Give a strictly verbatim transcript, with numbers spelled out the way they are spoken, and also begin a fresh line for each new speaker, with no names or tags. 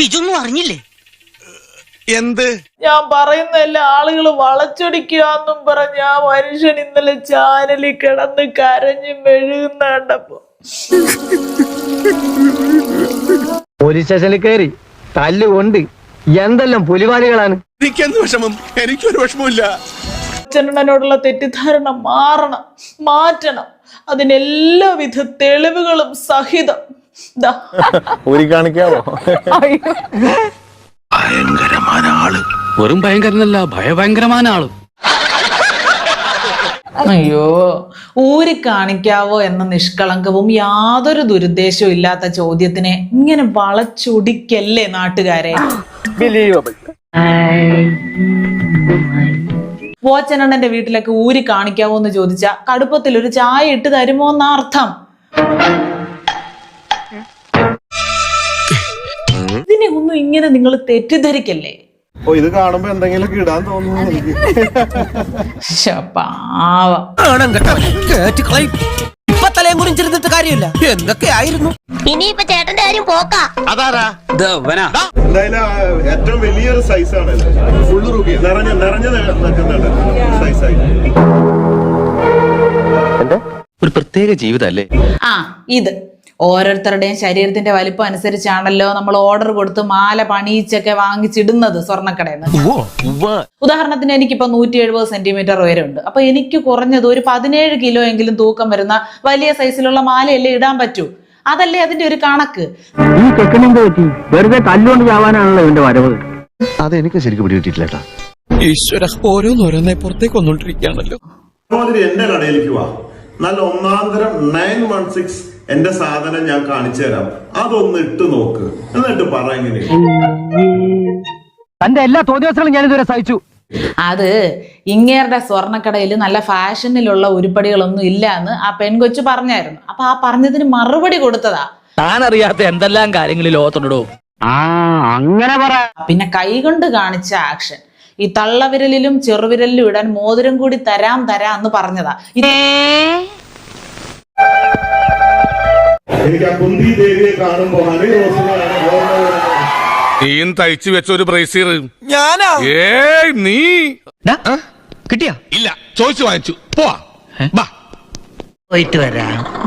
ഇതൊന്നും അറിഞ്ഞില്ലേ?
എന്ത്?
ഞാൻ പറയുന്ന എല്ലാ ആളുകൾ വളച്ചൊടിക്കാന്നും പറഞ്ഞ ആ മനുഷ്യൻ ഇന്നലെ ചാനലിൽ കിടന്ന് കരഞ്ഞ് മെഴുകുന്ന കണ്ടപ്പോ
പോലീസ് സ്റ്റേഷനിൽ കയറി തല്ലുകൊണ്ട് എന്തെല്ലാം പുലിവാലികളാണ്.
എനിക്കെന്ത് വിഷമം? എനിക്കൊരു വിഷമമില്ല.
അച്ഛനോടുള്ള തെറ്റിദ്ധാരണ മാറണം, മാറ്റണം. അതിനെല്ലാവിധ തെളിവുകളും സഹിതം
കാണിക്കാവോ?
ഭയങ്കരമായ ആള്. വെറും ഭയങ്കരനല്ല, ഭയഭയങ്കരമായ ആള്.
അയ്യോ, ഊരി കാണിക്കാവോ എന്ന നിഷ്കളങ്കവും യാതൊരു ദുരുദ്ദേശവും ഇല്ലാത്ത ചോദ്യത്തിനെ ഇങ്ങനെ വളച്ചൊടിക്കല്ലേ നാട്ടുകാരെ. പോച്ചനണ്ണന്റെ വീട്ടിലൊക്കെ ഊരി കാണിക്കാവോ എന്ന് ചോദിച്ച കടുപ്പത്തിൽ ഒരു ചായ ഇട്ട് തരുമോ എന്ന അർത്ഥം. ഇതിനെ ഒന്നും ഇങ്ങനെ നിങ്ങൾ തെറ്റിദ്ധരിക്കല്ലേ.
ഓ, ഇത് കാണുമ്പോ എന്തെങ്കിലും ഇടാൻ തോന്നുന്നു എനിക്ക്.
കാര്യമില്ല, എന്തൊക്കെയായിരുന്നു.
ഇനിയിപ്പോ ചേട്ടന്റെ കാര്യം പോക്കാ.
അതാരാ?
എന്തായാലും ഏറ്റവും വലിയൊരു സൈസാണ്. ഫുള്ള് റുബി നിറഞ്ഞ നിറഞ്ഞു നിൽക്കുന്നുണ്ട് സൈസായി.
ഒരു പ്രത്യേക ജീവിതല്ലേ.
ആ, ഇത് ഓരോരുത്തരുടെയും ശരീരത്തിന്റെ വലിപ്പം അനുസരിച്ചാണല്ലോ നമ്മൾ ഓർഡർ കൊടുത്ത് മാല പണിയിച്ചൊക്കെ വാങ്ങിച്ചിടുന്നത് സ്വർണ്ണക്കടയിൽ നിന്ന്. ഉദാഹരണത്തിന് എനിക്കിപ്പോ നൂറ്റി എഴുപത് സെന്റിമീറ്റർ ഉയരമുണ്ട്. അപ്പൊ എനിക്ക് കുറഞ്ഞത് ഒരു പതിനേഴ് കിലോ എങ്കിലും തൂക്കം വരുന്ന വലിയ സൈസിലുള്ള മാലയല്ലേ ഇടാൻ പറ്റൂ. അതല്ലേ അതിന്റെ ഒരു കണക്ക്.
ഈ ചെക്കനെന്ത് പറ്റി? വെറുതെ തല്ലുകൊണ്ട് ചാവാനാണല്ലോ ഇതിന്റെ വരവ്.
അതെനിക്ക് ശരിക്കും പിടികിട്ടിട്ടില്ലേട്ടാ.
ഈശ്വര, ഓരോന്നോരോന്നെ പുറത്തേക്ക് വന്നോണ്ടിരിക്കുകയാണല്ലോ.
എന്റെ കടയിലേക്ക് വാ, നല്ല ഒന്നാന്തരം നയൻ വൺ സിക്സ് എന്റെ സാധനം ഞാൻ കാണിച്ചു തരാം. അതൊന്ന് ഇട്ട് നോക്ക്, എന്നിട്ട് പറ എങ്ങനെ.
തന്റെ എല്ലാ തോന്നിയവസരങ്ങളും ഞാൻ ഇതുവരെ സഹിച്ചു.
അത് ഇങ്ങേരുടെ സ്വർണ്ണക്കടയിൽ നല്ല ഫാഷനിലുള്ള ഉരുപ്പടികളൊന്നും ഇല്ല എന്ന് ആ പെൺകൊച്ചു പറഞ്ഞായിരുന്നു. അപ്പൊ ആ പറഞ്ഞതിന് മറുപടി കൊടുത്തതാ.
താൻ അറിയാത്ത എന്തെല്ലാം കാര്യങ്ങൾ ലോകത്തുണ്ടോ.
ആ, അങ്ങനെ പറ.
പിന്നെ കൈകൊണ്ട് കാണിച്ച ആക്ഷൻ, ഈ തള്ളവിരലിലും ചെറുവിരലിലും ഇടാൻ മോതിരം കൂടി തരാം തരാം എന്ന് പറഞ്ഞതാ.
എനിക്ക് ആ കുന്തി ദേവിയെ കാണുമ്പോ ഹരി റോസിനെയാണ്
നീയും തയ്ച്ചു വെച്ച ഒരു ബ്രേസീർ.
ഞാനാ?
ഏയ് നീ
കിട്ടിയാ?
ഇല്ല, ചോദിച്ചു വാങ്ങിച്ചു. പോവാ.
പോയിട്ട് വരാം.